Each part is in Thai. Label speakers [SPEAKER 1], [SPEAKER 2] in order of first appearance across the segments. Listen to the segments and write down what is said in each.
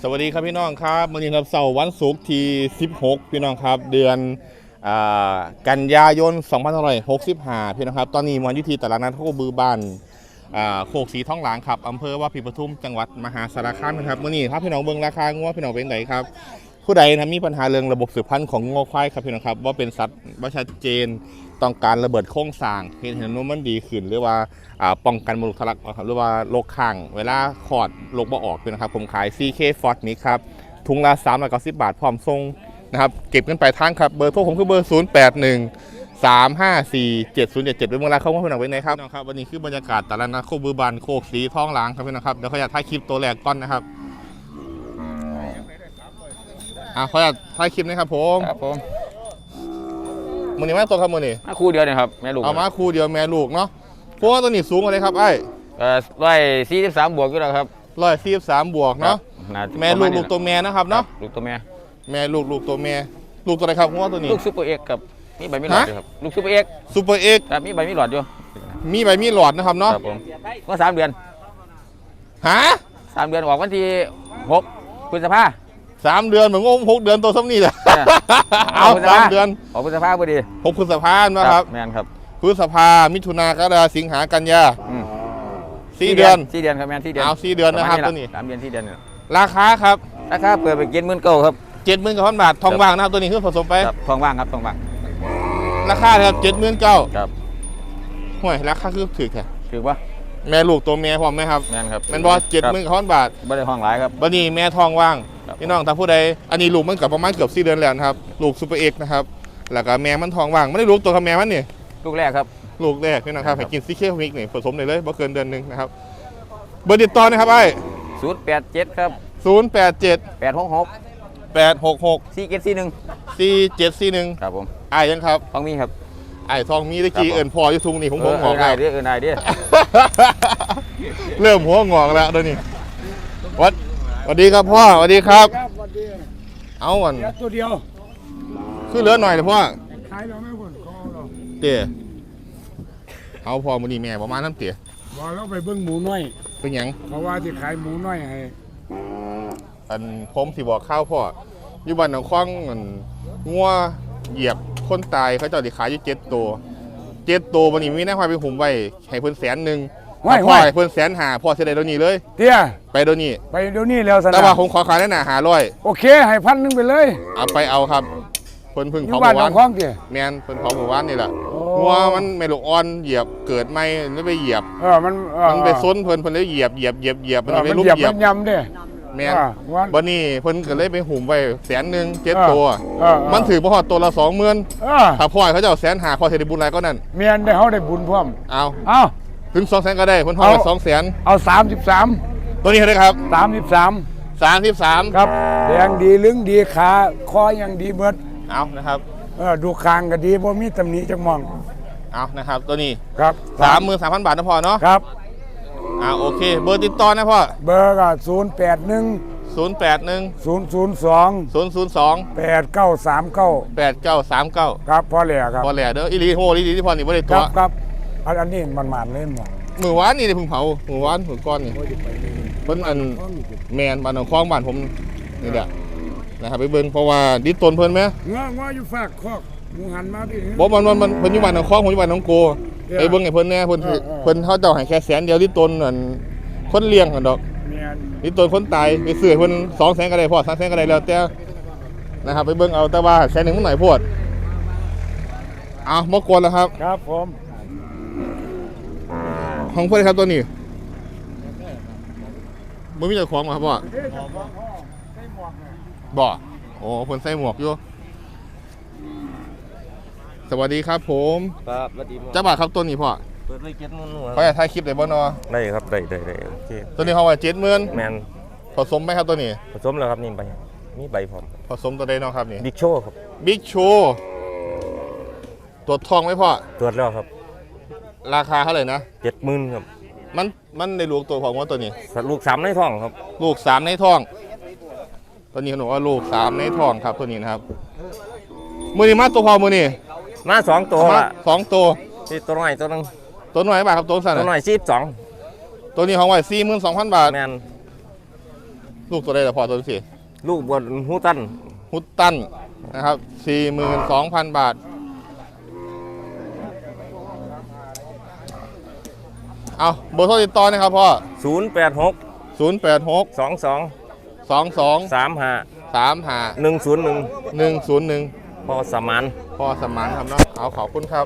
[SPEAKER 1] สวัสดีครับพี่น้องครับวันนี้ครับเสาร์วันศุกร์ที่16พี่น้องครับเดือนกันยายน2565พี่น้องครับตอนนี้มันอยู่ที่ตลาดนัดโคกบือบ้านโคกสีท้องหลางครับอำเภอว่าปีปทุมจังหวัดมหาสารคามนะครับวันนี้ครับพี่น้องเบิ่งราคางัวพี่น้องเป็นไหนครับผู้ใดนะมีปัญหาเรื่องระบบสืบพันธุ์ของงัวควายครับพี่น้องครับว่าเป็นสัตว์ว่าชัดเจนต้องการระเบิดโครงสร้างเห็นว่ามันดีขึ้นหรือว่าป้องกันมลทะลักหรือว่าโรคข้างเวลาคลอดโรคบ่ออกพี่นะครับผมขาย CK Ford นี้ครับถุงละ390 บาทพร้อมส่งนะครับเก็บเงินปลายทางครับเบอร์โทรผมคือเบอร์0813547077เป็นเวลาเข้ามาพี่น้องไว้ไหนครับนะครับวันนี้คือบรรยากาศตลาดนัดโคกบือบันโคกสีท้องหลางครับพี่นะครับเดี๋ยวขออยากถ่ายคลิปตัวแรกก่อนนะครับขออยากถ่ายคลิปนะครับผมมือนี้แม่ตัวครับมือนี้
[SPEAKER 2] คู่เดียวเนี่ยครับแม่ลูก
[SPEAKER 1] เอามาคู่เดียวแม่ลูกเนาะพวกตัวนี้สูงอะไรครับไอ้
[SPEAKER 2] 143 บวกอยู่แล้วครับ
[SPEAKER 1] 143 บวกเนาะแม่ลูกตัวแม่นะครับเนาะ
[SPEAKER 2] ลูกตัวแม่
[SPEAKER 1] ตัวแม่ลูกตัวอะไรครับพวกตัวนี้
[SPEAKER 2] ลูกซูเปอร์เอ็กกับมีใบมีหลอดอยู่ครับลูกซูเปอร์เอ็กแต่มีใบมีหลอดอยู่
[SPEAKER 1] มีใบมีหลอดนะครับเนาะ
[SPEAKER 2] ครับผมก็3 เดือน3 เดือนออกวันที่6 พฤษภา
[SPEAKER 1] 3 เดือนเหมือนงง6 เดือนตัวซ้ำนี่แหละเอา3 เดือน
[SPEAKER 2] ออกพฤษภาพอดี
[SPEAKER 1] 6 พฤษภานะครับ
[SPEAKER 2] แมนครับ
[SPEAKER 1] พฤษภามิถุนากรกฎาคมสิงหากันยา4 เดือน
[SPEAKER 2] ครับแมน4 เดือน
[SPEAKER 1] เอา4 เดือนนะครับตัวนี้
[SPEAKER 2] 3 เดือน4 เดือน
[SPEAKER 1] ราคาครับ
[SPEAKER 2] ราคาเปิดไป70,000ครับ
[SPEAKER 1] 70,000 บาททองว่างนะครับตัวนี้คือผสมไป
[SPEAKER 2] ทองว่างครับทองว่าง
[SPEAKER 1] ราคาครับ79,000
[SPEAKER 2] ครับ
[SPEAKER 1] ห่วยราคาคือถือแค่
[SPEAKER 2] ถือว่า
[SPEAKER 1] แม่ลูกตัวแม่พร้อมไหมครับ
[SPEAKER 2] แม่นครับ
[SPEAKER 1] แม่นบอ70,000 บาท
[SPEAKER 2] ไม่ได้ห้องหลายครับ
[SPEAKER 1] บัดนี้แม่ทองว่างพี่น้องถ้าผู้ใดอันนี้ลูกมันกับประมาณเกือบ4 เดือนแล้วนะครับลูกซูเปอร์เอ็กนะครับแล้วก็แม่มันทองว่างไม่ได้ลูกตัวกับแม่มันนี่
[SPEAKER 2] ลูกแรกครับ
[SPEAKER 1] ลูกแรกพี่น้องครับให้กินซีเคมิกนี่ผสมเลยบ่เกินเดือนนึงนะครับเบอร์ติดต่อนะครับไอ้
[SPEAKER 2] 087ครับ
[SPEAKER 1] 087
[SPEAKER 2] 866
[SPEAKER 1] 4741 4741
[SPEAKER 2] ครับผม
[SPEAKER 1] ไอ้ยังครับ
[SPEAKER 2] ทองมีครับ
[SPEAKER 1] ไอ้ทองมีตะกี้เอิญพออยู่ทุงนี่ผมงอก
[SPEAKER 2] ได้เอิญได้ดิ
[SPEAKER 1] เริ่มหัวงอกแล้วเดี๋ยวนี้สวัสดีครับพ่อสวัสดีครับเอาวัน
[SPEAKER 3] ตัวเดียว
[SPEAKER 1] คือเหลือหน่อยเลยพ่อ
[SPEAKER 3] ขายเราไม่ผลคอเรา
[SPEAKER 1] เตี๋ยเอาพอมือนีแม่ประมาณน้ำเตี๋ย
[SPEAKER 3] บอกเราไปเบิ้งหมูน้อย
[SPEAKER 1] เป็นยัง
[SPEAKER 3] เพราะว่าจะขายหมูน้อยให้
[SPEAKER 1] อันผมสิบอกข้าวพ่ออยู่บ้านหนองคว้างงัวเหยียบคนตายเขาเจ้าดิขายอยู่7 ตัววันนี้มีนักพายไปหุ่มไว้ให้เพิ่น100,000พ่อให้เพิ่น150,000พ่อเสียดายเดี๋ยวนี้เลย
[SPEAKER 3] เตี้ย
[SPEAKER 1] ไปเดี๋ยวนี้
[SPEAKER 3] แล้วสนะ
[SPEAKER 1] แต่ว่าผมขอขายได้500
[SPEAKER 3] โอเคให้1,000ไปเลย
[SPEAKER 1] เอาไปเอาครับเพิ่นพึ่ง
[SPEAKER 3] เผาหมู่บ้าน
[SPEAKER 1] แมนเพิ่นเผาหมู่บ้านนี่แหละงัวมันไม่ลูกอ่อนเหยียบเกิดไม่แล้วไปเหยียบมันไปซ้นเพิ่นเลยเหยียบมันไปลุกเหยียบ
[SPEAKER 3] ยำเด้
[SPEAKER 1] แมนวันนี้เพิ่นก็เลยไปหุ่มไว้100,000 7 ตัวมันถือบ่ฮอดตัวละ20,000ถ้าพ่อเขาจะเอา150,000พอสิได้บุญหลายก็นั่น
[SPEAKER 3] แม่นได้เฮาได้บุญพร้อม
[SPEAKER 1] เอาถึง200,000ก็ได้เพิ่นฮอด200,000
[SPEAKER 3] เอา33
[SPEAKER 1] ตัวนี้เท่าไหร่ครับ33
[SPEAKER 3] ครับแดงดีลึงดีขาคอยังดีเบิด
[SPEAKER 1] เอานะครับ
[SPEAKER 3] ดูคางก็ดีบ่มีตำหนิจักมอง
[SPEAKER 1] เอานะครับตัวนี้
[SPEAKER 3] ครับ
[SPEAKER 1] 33,000 บาทนะพ่อเนาะ
[SPEAKER 3] ครับ
[SPEAKER 1] โอเคเบอร์ติดต่อนะพ่อ
[SPEAKER 3] เบอร์ก็081 002 8939ครับพ่อแหล่ครับ
[SPEAKER 1] พ่อแหล่เด้ออีหลีโหอีหลีที่พ่อนี่บ่ได้ตัว
[SPEAKER 3] ครับอันนี้มันหมานเล่นหมด
[SPEAKER 1] มื้อวานนี่เพิ่งเผามื้อวานมื้อก่อนนี่เพิ่นอันแม่นบ้านหนองคลองบ้านผมนี่แหละนะครับไปเบิ่งเพราะว่าดิตนเพิ่นมั้ย
[SPEAKER 3] ง้ออยู่ฝากคอกหมูหันมาพี่
[SPEAKER 1] บ่มันเพิ่นอยู่บ้านหนองคลองผมอยู่บ้านหนองโกไปเบิ่งให้เพิ่นแน่เพิ่นเขาเจ้าให้แค่100,000เดียวดิตนนั่นคนเลี้ยงกันดอกดิตนคนตายไปซื้อเพิ่น200,000ก็ได้พอ300,000ก็ได้แล้วแต่นะครับไปเบิ่งเอาแต่ว่า100,000มันหน่อยโพดบ่กวนแล้วครับ
[SPEAKER 3] ครับผม
[SPEAKER 1] ของเพิ่นครับตัวนี้บ่มีเจ้าของบ่ครับพ่อบ่โอ้เพิ่นใส่หมวกอยู่สวัสดีครับผม
[SPEAKER 2] ครับสวัสดี
[SPEAKER 1] จ้าบ่าวครับตัวนี้พ่อ
[SPEAKER 2] เปิดไว้70,000
[SPEAKER 1] เขาอยากถ่ายคลิปได้บ่เนาะ
[SPEAKER 2] ได้ครับได้โอเค
[SPEAKER 1] ตัวนี้เขาว่า70,000
[SPEAKER 2] แม่น
[SPEAKER 1] ผสมไหมครับตัวนี้
[SPEAKER 2] ผสมแล้วครับนี่มีใบพร้อม
[SPEAKER 1] ผสมตัวใดเนาะครับนี่
[SPEAKER 2] บิ๊กโชว์ครับ
[SPEAKER 1] บิ๊กโชว์ตรวจทองไหมพ่อ
[SPEAKER 2] ตรวจแล้วครับ
[SPEAKER 1] ราคาเท่าไหร่นะ
[SPEAKER 2] 70,000ครับ
[SPEAKER 1] มันในลูกตัวของว่าตัวนี้
[SPEAKER 2] ลูก3ในท้องครับ
[SPEAKER 1] ลูก3ในท้องตัวนี้เขาบอกว่าลูก3ในท้องครับตัวนี้นะครับมือนี้มาตัวพอมือนี้
[SPEAKER 2] มา2 ตัว
[SPEAKER 1] 2 ตัว
[SPEAKER 2] ที่ตัวน้อยตัวนึง
[SPEAKER 1] ตัวน้อยบาทครับตัวสั้น
[SPEAKER 2] ตัวน้อย42
[SPEAKER 1] ตัวนี้ของไว้42,000 บาท
[SPEAKER 2] แม่น
[SPEAKER 1] ลูกตัวใดแต่พอตัวที่
[SPEAKER 4] ลูกบวชฮูตัน
[SPEAKER 1] ฮุตตันนะครับ 42,000 บาทเอาเบอร์โทรติดต่อนะครับพ่อ
[SPEAKER 4] 086
[SPEAKER 1] 086
[SPEAKER 4] 22
[SPEAKER 1] 22
[SPEAKER 4] 35
[SPEAKER 1] 35
[SPEAKER 4] 101
[SPEAKER 1] 101
[SPEAKER 4] พอสมาน
[SPEAKER 1] พ่อสมานครับเนาะเอาขอบคุณครับ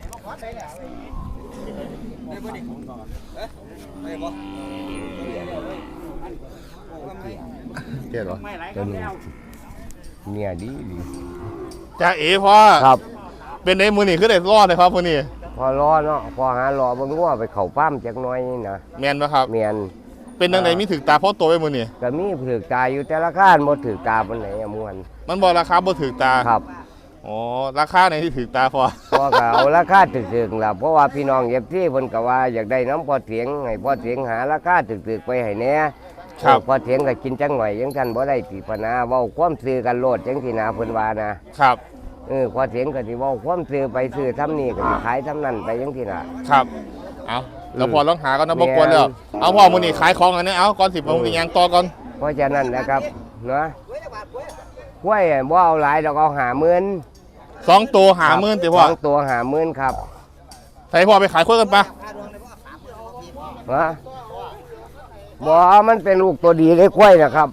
[SPEAKER 1] เกลียดเหรอ
[SPEAKER 3] เนี่ยดี
[SPEAKER 1] จ้าเอ๋พ่อ
[SPEAKER 3] ครับ
[SPEAKER 1] เป็นในมือนี่คือได้รอดเลยครับมือนี่
[SPEAKER 3] พอรอเนาะพอหารอบ่งัวไปเข้าป้ามจักหน่อยนี่นะ
[SPEAKER 1] แมนปะครับ
[SPEAKER 3] เมียน
[SPEAKER 1] เป็นดังใดมีถึกตาพ่อโตไปมือนี่
[SPEAKER 3] ก็มีถือตาอยู่แต่ละข้านบ่ถือตาปานไหนอะม่วน
[SPEAKER 1] มันบอกราคาบ่ถึกตา
[SPEAKER 3] ครับ
[SPEAKER 1] อ๋อราคาในที่ถึกตาพอ
[SPEAKER 3] พอก็เอาราคาถึกๆล่ะเพราะว่าพี่น้องเอฟซีเพิ่นก็ว่าอยากได้น้ำพอเถียงให้พอเถียงหาราคาถึกๆไปให้แหน่
[SPEAKER 1] ครับ
[SPEAKER 3] พอเถียงก็กินจังหน่อยจังซั่นบ่ได้ติปนาเว้าความซื่อกันโลดจังซี่นะเพิ่นว่านะครับ พอเถียงก็สิเว้าความซื่อไปซื่อทำนี่ก็สิขายทำนั่นไปจังซี่น่ะ
[SPEAKER 1] ครับเอาแล้วพอลองหาก็นะบ่กวนแล้วเอาพ่อมือนี่ขายของอันนี้เอาก่อนสิผมยังต่อก่อน
[SPEAKER 3] เพราะฉะนั้นนะครับเนาะกล้วยบ่เอาหลายดอกเอา50,000
[SPEAKER 1] 2 ตัวหาหมื่นติพ่อ
[SPEAKER 3] สองตัว50,000ครับ
[SPEAKER 1] ใส่พ่อไปขายคนกันปะ
[SPEAKER 3] ฮะบ่มันเป็นลูกตัวดีเลยกล้วยนะครับ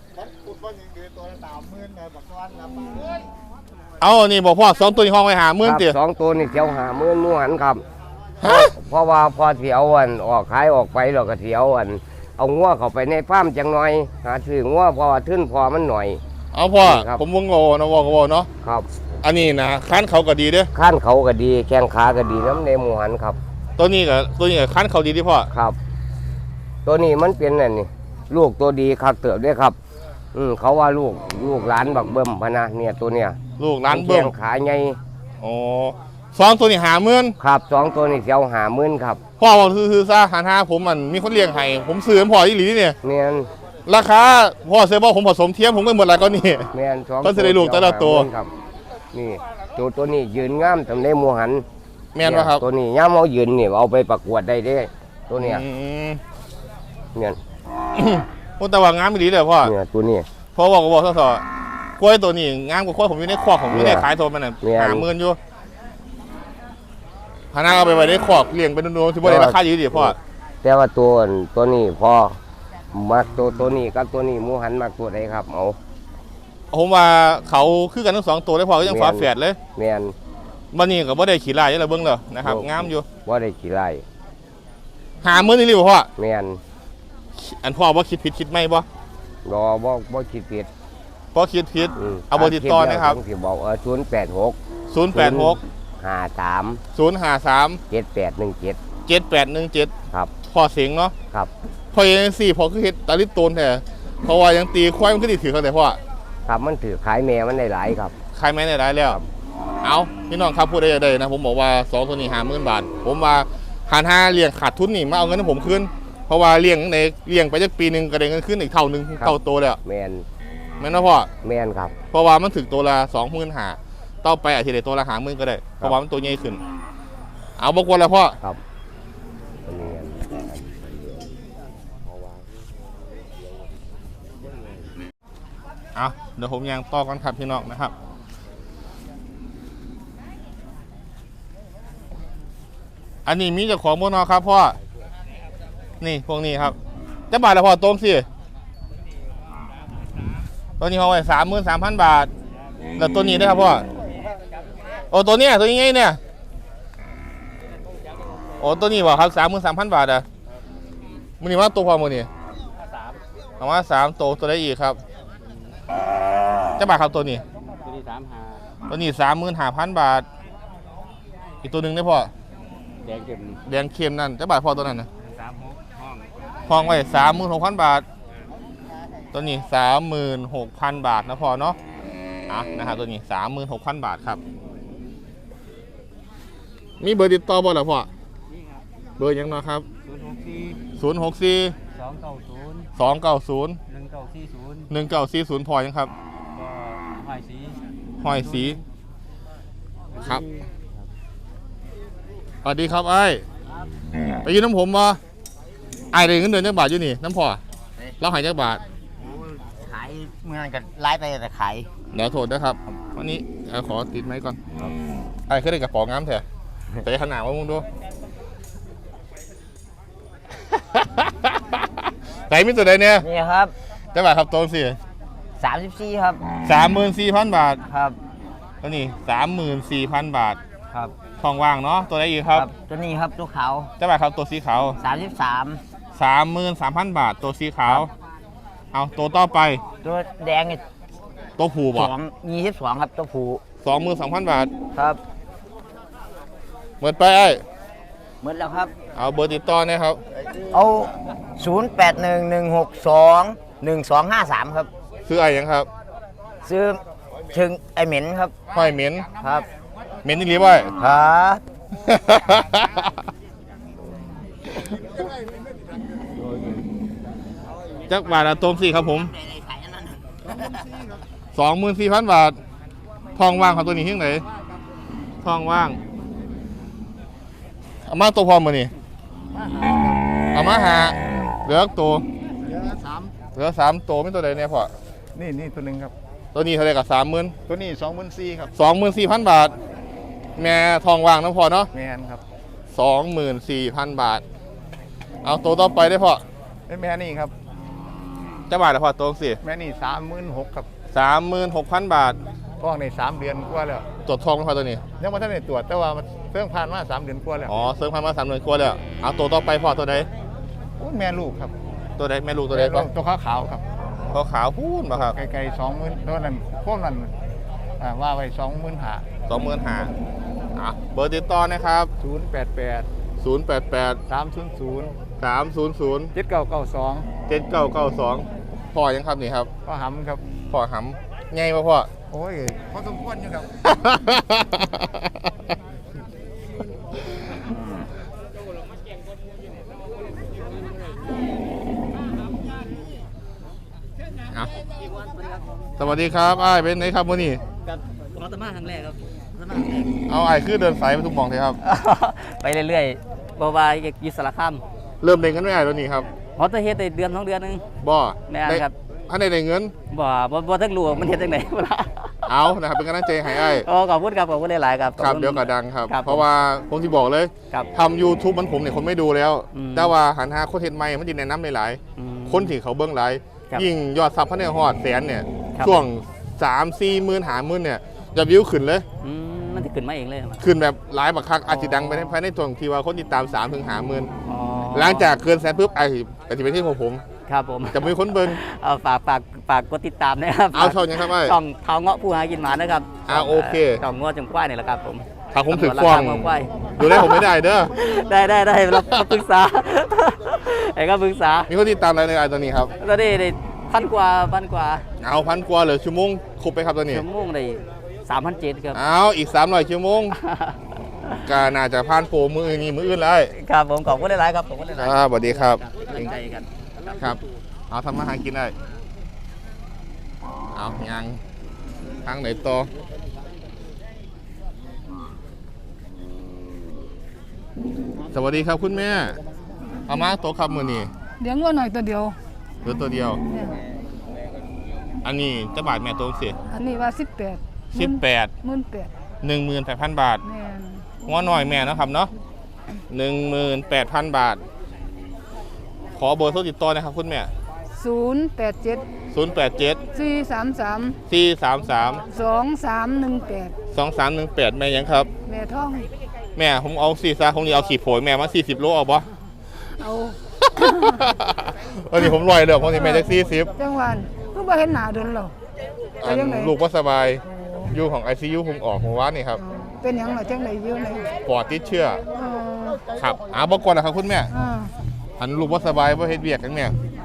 [SPEAKER 1] เอานี่บอกพ่อ2ตัวนี้ห้องไปหาหมื่นติ
[SPEAKER 3] ครับสองตัวนี่เที่ยว50,000หมู่หันครับ
[SPEAKER 1] ฮะ
[SPEAKER 3] เพราะว่าพอเที่ยวออกขายออกไปเราก็เที่ยวเอางัวเข้าไปในฟาร์มจังหน่อยหาซื้องัวเพราะว่าทึ้นพอมันหน่อย
[SPEAKER 1] เอาพ่อ
[SPEAKER 3] ครับ
[SPEAKER 1] ผมวงโง่นะวอกเนาะ
[SPEAKER 3] ครับ
[SPEAKER 1] อันนี้นะคันเขาก็ดีเด้อ
[SPEAKER 3] ข้านเขาก็ดีแข้งขาก็ดีน้ำในหมู่หันครับ
[SPEAKER 1] ตัวนี้ก็คันเขาดีที่พ่อ
[SPEAKER 3] ครับ ตัวนี้มันเป็นนั่นนี่ลูกตัวดีคักเติบด้วยครับเขาว่าลูกหลานบักเบิ่มพะนะเนี่ยตัวเนี่ย
[SPEAKER 1] ลูกร้านเบิ้
[SPEAKER 3] แข้
[SPEAKER 1] ม
[SPEAKER 3] งขาใหญ่
[SPEAKER 1] อ๋อ2ตัวนี้หาหมื่น
[SPEAKER 3] ครับสองตัวนี่เที่ยว50,000ครับ
[SPEAKER 1] พ่อบอกซื้อซะหันหาผมมันมีคนเลี้ยงให้ผมซื้อให้พ่ออีหลีเนี่ย
[SPEAKER 3] แม่น
[SPEAKER 1] ราคาพ่อเซบอกผมผสมเทียมผมไม่หมดอะไรก็นี่
[SPEAKER 3] แม่นสอง
[SPEAKER 1] ก็จะได้ลูกแต่ละตัว
[SPEAKER 3] เที่ย50,000ครับนี่ตัวนี้ยืนงามทำได้หมู่หัน
[SPEAKER 1] แม่นปะครับ
[SPEAKER 3] ตัวนี้ย่ามเอายืนนี่เอาไปประกวดได้เด้ตัวเนี้ย
[SPEAKER 1] อืม
[SPEAKER 3] เนี่ย
[SPEAKER 1] โอ้แต่ว่างามอีหลีเลยพ่อ
[SPEAKER 3] เนี่ยตัวนี้
[SPEAKER 1] พ่อบอกซะกล้วยตัวนี้งามกว่ากล้วยผมอยู่ในคอกผมอยู่ในขายตัวมันน่ะ
[SPEAKER 3] เนี่ย
[SPEAKER 1] หาหมื่นอยู่พานาเอาไปไว้ในคอกเลี้ยงเป็นนูนๆที่บ่ได้ราคาดีพ่อ
[SPEAKER 3] แต่ว่าตัวนี้พอมักตัวนี้กับตัวนี้หมูหันมักตัวใดครับเอา
[SPEAKER 1] ผมว่าเขาคือกันทั้ง2ตัวเลยพ่อก็ยัง
[SPEAKER 3] แม่น
[SPEAKER 1] ฝาแฝดเลย
[SPEAKER 3] แม่น
[SPEAKER 1] วันนี้ก็บ่ได้ขี่ลายยังไงเบิ่งเลยนะครับงามอยู่
[SPEAKER 3] ว่าได้กี่ไร่
[SPEAKER 1] หาหมื่นนี่หรือพ่อ
[SPEAKER 3] แม่น
[SPEAKER 1] อันพ่อว่าคิดผิดคิดไม่บ่
[SPEAKER 3] รอบ่คิดผิด
[SPEAKER 1] พ่อคิดผิด
[SPEAKER 3] ม
[SPEAKER 1] เอาเบอร์ติดต่อนะครับ
[SPEAKER 3] ที่บอก086
[SPEAKER 1] 086
[SPEAKER 3] 53
[SPEAKER 1] 053
[SPEAKER 3] 7817
[SPEAKER 1] 7817
[SPEAKER 3] ครับ
[SPEAKER 1] พ่อเสียงเนาะ
[SPEAKER 3] ครับ
[SPEAKER 1] พ่อยัง4พ่อคือเฮ็ดตาลิโตนแท้เพราะว่ายังตีควายมันก็ดีถือเขาแต่พ่อ
[SPEAKER 3] ครับมันถือขายแม่มันได้หลายครับ
[SPEAKER 1] ขายแม่ได้หลายแล้ว เอาพี่น้องครับพูดได้ยังไงนะผมบอกว่า2ตัวนี้50,000 บาท ผมว่าหาร5เลี้ยงขาดทุนนี่มาเอาเงินให้ผมคืนเพราะว่าเลี้ยงในเลี้ยงไปจักปีหนึงก็ได้เงินคืนอีกเท่านึง
[SPEAKER 3] ครับ
[SPEAKER 1] เท่าโตแล้ว
[SPEAKER 3] แม่น
[SPEAKER 1] แม่นบ่พ่อ
[SPEAKER 3] แม่นครับ
[SPEAKER 1] เพราะว่ามันถึงตัวละ25,000ต่อไปอาทิตย์ละตัวละ50,000ก็ได้เพราะว่ามันตัวใหญ่ขึ้น เอาบ่กวนแล้วพ่อ
[SPEAKER 3] ครับอันนี้
[SPEAKER 1] เอาเดี๋ยวผมยังต่อกันครับพี่น้องนะครับ อันนี้มีเจ้าของบ่เนอครับพ่อ นี่พวกนี้ครับจะบาทละพ่อตรงสิตัวนี้เขาไว้33,000 บาท แล้วตัวนี้ได้ครับพ่อ โอ้ตัวเนี้ยตัวนี้ไงเนี่ย โอ้ตัวนี้บ่ครับ33,000 บาทอ่ะมันนี่ว่าตัวพอมันนี่เอามา3ตัวได้อีกครับจะบาทครับตัวนี้ ตัวนี้35,000 บาท อีกตัวหนึ่งได้พ่อ แดงเค็มนั่นจะบาทพ่อตัวนั้นนะห้องไว้36,000 บาท ตัวนี้36,000 บาทนะพ่อเนาะนะครับตัวนี้36,000 บาทครับ มีเบอร์ติดต่อบ่ล่ะพ่อเบอร์ยังเนาะครับ064 290 1940พอยังครับห้อยสีครับสวัสดีครับไอ้ไปยืนน้ำผมบ่ไอ้ได้เงินเดือนจักบาทอยู่นี่น้ำพ่อเราใหายจักบาท
[SPEAKER 3] เมื่อนั้นก็ไล่ไปแต่ขาย
[SPEAKER 1] เดี๋ยวโทษนะครับวันนี้ขอติดไม้ก่อนไอ้เคยได้กระป๋องน้ำแท้แต่ขนาดว่ามึงดู ไหนมีตัวใดเนี่ย
[SPEAKER 3] นี่ครับ
[SPEAKER 1] จะบ่าครับตรงสิ
[SPEAKER 3] 34ครับ
[SPEAKER 1] 34,000 บาท
[SPEAKER 3] ครับ
[SPEAKER 1] ตัวนี้34,000 บาท
[SPEAKER 3] ครับ
[SPEAKER 1] ทองว่างเนาะตัวใดอีกครับ
[SPEAKER 3] ตัวนี้ครับตัวขาว
[SPEAKER 1] จะบ่าครับตัวสีขาว
[SPEAKER 3] 33
[SPEAKER 1] 33,000 บาทตัวสีขาวเอาตัวต่อไป
[SPEAKER 3] ตัวแดงนี่
[SPEAKER 1] ตัวผูบ่
[SPEAKER 3] 22ครับตัวผู
[SPEAKER 1] 22,000 บาท
[SPEAKER 3] ครับ
[SPEAKER 1] หมดไปไอ้
[SPEAKER 3] หมดแล้วครับ
[SPEAKER 1] เอาเบอร์ติดต่อเนี่ยครับ
[SPEAKER 3] เอา0811621253ครับ
[SPEAKER 1] ซื้อไอ้ยังครับ
[SPEAKER 3] ซื้อถึงไอเหม็นครับ
[SPEAKER 1] ห้อยเหม็น
[SPEAKER 3] ครับ
[SPEAKER 1] เหม็นนี่เรียกว่า
[SPEAKER 3] ครับ
[SPEAKER 1] จักบาทละตรงสี่ครับผม 24,000 บาท ทองว่างของตัวนี้ที่ไหนทองว่างเอามาตัวพร้อมมานี่เอามาหาเหลือตัวเหลือ3ตัวไม่ตัวใดเนี่ยพ่อ
[SPEAKER 5] นี่ตัวหนึ่งครับ
[SPEAKER 1] ตัวนี้เท่าไหร่กับ30,000
[SPEAKER 5] ตัวนี้24,000ครับ
[SPEAKER 1] 24,000 บาท แม่ทองว่างน้ำพอเนาะ
[SPEAKER 5] แมนครับ
[SPEAKER 1] 24,000 บาท เอาตัวต่อไปได้พ่อ
[SPEAKER 5] แม่นี่ครับ
[SPEAKER 1] จะบาทละพ่อตรงสิ
[SPEAKER 5] แม่นี่36,000ครับ
[SPEAKER 1] 36,000 บาท
[SPEAKER 5] ท้องใน3เดือนกว่าแล้ว
[SPEAKER 1] ตรวจทองไหมพ่อตัวนี้
[SPEAKER 5] ยังไม่ทันได้ตรวจแต่ว่ามันเพิ่งผ่านมา3เดือนกว่าแล้ว
[SPEAKER 1] อ๋อเสริมพันมา3 เดือนกว่าแล้วเอาตัวต่อไปพ่อตัวใด
[SPEAKER 5] โอ้ยแม่ลูกครับ
[SPEAKER 1] ตัวใดแม่ลูกตัวใดก็
[SPEAKER 5] ตัวขาวๆครับ
[SPEAKER 1] ขาวพูนมาครับ
[SPEAKER 5] ไกลๆ20,000ตัวนั้นพวกนั้นว่าไว้25,000
[SPEAKER 1] 25,000อ่ะเบอร์ติดต่อนะครับ
[SPEAKER 5] 088
[SPEAKER 1] 088
[SPEAKER 5] 300
[SPEAKER 1] 300
[SPEAKER 5] 7992
[SPEAKER 1] 7992พ่อยังครับนี่ครับ
[SPEAKER 5] ก็หำครับ
[SPEAKER 1] พ่อหำไงมาพ่อ
[SPEAKER 5] โอ้ยพอสมควรอยู่ครับ
[SPEAKER 1] อ่ะสวัสดีครับอ้ายเป็นไงครับมื้อนี้
[SPEAKER 6] กับมาตมาครั้งแรกครับมาตมาครั้งแรก
[SPEAKER 1] เอาอ้ายคือเดินสายไปทุกหม่องเลยครับ
[SPEAKER 6] ไปเรื่อยๆบ่ว่าอยู่สารคาม
[SPEAKER 1] เริ่มเล่นกันไม่ได้แล้วนี่ครับ
[SPEAKER 6] ฮอตเฮ็ดได้เดือน2เดือนนึง
[SPEAKER 1] บ่
[SPEAKER 6] แม่นครับ
[SPEAKER 1] ถ้าได้เงิน
[SPEAKER 6] บ่ทักรู้ว่ามันเฮ็ดจังได๋บ่ล่ะ
[SPEAKER 1] เอานะครับเป็นกำลังใจให้อ้าย
[SPEAKER 6] อ๋อขอบคุณครับขอบคุณหลายๆครับ
[SPEAKER 1] ครับเดี๋ยวก็ดังครับ
[SPEAKER 6] ครับ
[SPEAKER 1] เพราะว่าผมที่บอกเลย
[SPEAKER 6] ครับ
[SPEAKER 1] ทำ YouTube มันผมเนี่ยคนไม่ดูแล้ว
[SPEAKER 6] อืม
[SPEAKER 1] แต่ว่าหันหาโคเทนใหม่มันจะแนะนำหลาย
[SPEAKER 6] อืม
[SPEAKER 1] ๆคนที่เขาเบิ้งหลาย
[SPEAKER 6] ครับ
[SPEAKER 1] ยิ่งยอดซับพันในฮอดแสนเนี่ย
[SPEAKER 6] ครับ
[SPEAKER 1] ช่วง 3-4 หมื่นหาหมื่นเนี่ยจะวิวขึ้นเลย
[SPEAKER 6] มันสิขึ้นมาเองเลยครับ
[SPEAKER 1] ขึ้นแบบหลายบักคักอาจจะดังไปภายในช่วงที่ว่าคนติดตาม3 ถึง 5 หมื่น
[SPEAKER 6] อ๋อ
[SPEAKER 1] หลังจากเกินแสนปุ๊บไอ้จะเป็นที่ของผม
[SPEAKER 6] ครับผม
[SPEAKER 1] จะมีคนเบิ้ง
[SPEAKER 6] เอาฝากกดติดตามนะครับ
[SPEAKER 1] เอาช่องยังครับไอ้
[SPEAKER 6] ช่องเท้าเงาะผู้หากินหมานะครับ
[SPEAKER 1] โอเค
[SPEAKER 6] ช่องเงาะจงกว้ายนี่แหละครับผม
[SPEAKER 1] ถ้าผมถือฟ้อง
[SPEAKER 6] ราคาเงาะกว้าย
[SPEAKER 1] ดูได้ผมไม่ได้เด้อ
[SPEAKER 6] ได้เราปรึกษา ไอ้ก็ปรึกษา
[SPEAKER 1] มีคนติดตามอะไรในไอ้ตัวนี้ครับ
[SPEAKER 6] ตอนนี้ได้พันกว่า
[SPEAKER 1] เอา1,000 กว่าเหลือชั่วโมงครบไปครับตัวนี้
[SPEAKER 6] ชั่วโมงได้3,700ครับ
[SPEAKER 1] เอาอีก300 ชั่วโมง ก็น่าจะผ่านโปรมือนี้มืออื่นเลย
[SPEAKER 6] ครับผมขอบคุณหลายๆครับขอบคุณหลายๆ
[SPEAKER 1] สวัสดีครับ
[SPEAKER 6] กำลังใจกัน
[SPEAKER 1] ครับ เอาทำมาหากินได้ เอายังทางไหนต่อสวัสดีครับคุณแม่ เอามาโต๊ะครับมือนี่
[SPEAKER 7] เลี้ยงวัวหน่อยตัวเดียว
[SPEAKER 1] เหลือตัวเดียว
[SPEAKER 7] เนี่ย
[SPEAKER 1] อันนี้จะบาทแม่โต๊ะสิ
[SPEAKER 7] อันนี้ว่า18
[SPEAKER 1] 18
[SPEAKER 7] 18,000
[SPEAKER 1] บาท
[SPEAKER 7] แม่น
[SPEAKER 1] หัวหน่อยแม่นะครับเนาะ18,000 บาท ขอเบอร์โทรติดต่อนะครับคุณแม่
[SPEAKER 7] 087
[SPEAKER 1] 087
[SPEAKER 7] 433
[SPEAKER 1] 433
[SPEAKER 7] 2318
[SPEAKER 1] 2318แม่ยังครับ
[SPEAKER 7] แม่ท้อง
[SPEAKER 1] แม่ผมเอา4ซาผมนี่เอาขี่โผยแม่มา40 โลเอาปะ
[SPEAKER 7] เอา
[SPEAKER 1] วันนี้ผมลอยเลยผมนี่แม่แท็กซี่10
[SPEAKER 7] จังหวันคือบ่เห็นหน้าโดนหรอก ไปยังไง
[SPEAKER 1] ลูกว่าสบายอยู่ของ ICU ผมออกผมว่านี่ครับ
[SPEAKER 7] เป็นหยังล่ะจังไดอยู่ไหน
[SPEAKER 1] ปอดติดเชื้อ
[SPEAKER 7] เออ
[SPEAKER 1] ครับบอกก่อนนะครับคุณแม่
[SPEAKER 7] อ่า
[SPEAKER 1] หันลูกว่าสบายว่าเฮ็ดเวียกกันแม่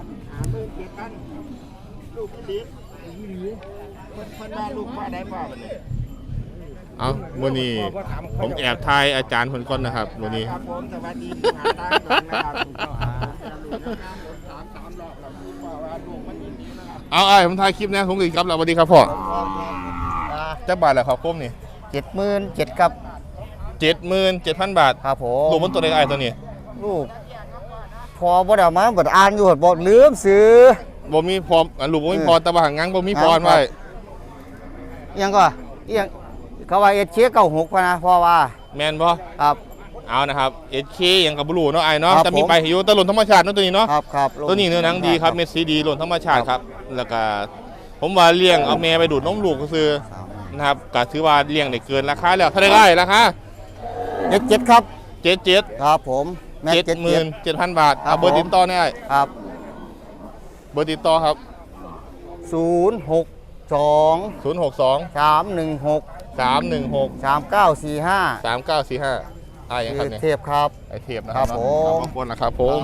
[SPEAKER 1] เอามื้อนี้ผมแอบทายอาจารย์คนก่อนนะครับมื้อนี้เอาไอ้ผมถ่ายคลิปนะผมกินครับแล้วสวัสดีครับพ่อจะบาทแล้วครับคมนี่
[SPEAKER 3] 77,000ครับ
[SPEAKER 1] 77,000 บาท
[SPEAKER 3] ครับผม
[SPEAKER 1] ลูกมันตัวเล็กไอ้ตัวนี้
[SPEAKER 3] ลูกพอบ่ได้เอามาบ่ได้อ่านอยู่บ่ลืมซื้อ
[SPEAKER 1] บ่มีพร้อมลูกบ่มีพร้อมแต่ว่าหางงั้งบ่มีพร้อมไว้
[SPEAKER 6] ยังก็ยังเขาว่าเอชเชีย96พะนะเพราะว่า
[SPEAKER 1] แม่นบ่
[SPEAKER 6] ครับ
[SPEAKER 1] เอานะครับ SK หยังกับบลูเนาะไอ้เนาะ
[SPEAKER 6] ครับ
[SPEAKER 1] แต่มี
[SPEAKER 6] ผม
[SPEAKER 1] ไปให้อยู่แต่หล่นธรรมชาติเนาะตัวนี้เนาะ
[SPEAKER 6] ครับ
[SPEAKER 1] ตัวนี้เนื้อหนังดีครับเม็ดสีดีหล่นธรรมชาติครับแล้วก็ผมว่าเลี้ยงเอาแม่ไปดูดนมลูกก็คือนะครับก็ถือว่าเลี้ยงได้เกินราคาแล้วเท่าไหร่ได้ราคา
[SPEAKER 6] 77ครับ
[SPEAKER 1] 77
[SPEAKER 6] ครับผมแม่
[SPEAKER 1] 77,000 บาท
[SPEAKER 6] ครับ
[SPEAKER 1] เอาเบอร์
[SPEAKER 6] ผม
[SPEAKER 1] ติดต่อได้
[SPEAKER 6] ครับ
[SPEAKER 1] เบอร์ติดต่อครับ
[SPEAKER 6] 062
[SPEAKER 1] 062
[SPEAKER 6] 316
[SPEAKER 1] 316
[SPEAKER 6] 3945
[SPEAKER 1] 3945ยังครับเนี่ย
[SPEAKER 6] เทพครับ
[SPEAKER 1] ไอเทปนะครับ
[SPEAKER 6] ครับผม
[SPEAKER 1] ขอบคุณนะครับผม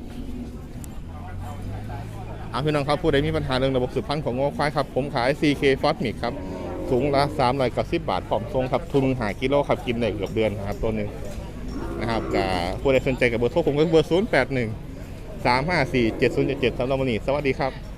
[SPEAKER 1] พี่น้องครับผู้ใดมีปัญหาเรื่องระบบสืบพันธุ์ของงัวควายครับผมขาย CK f o s m i c ครับสูงละ390 บาทผอมทรงครับทุนหากิโลครับกินได้เกือบเดือนนะครับตัวหนึ่งนะครับกับผู้ใดสนใจกับเบอร์โทรผมก็เบอร์ 081 354 7077สำหรับวันนี้สวัสดีครับ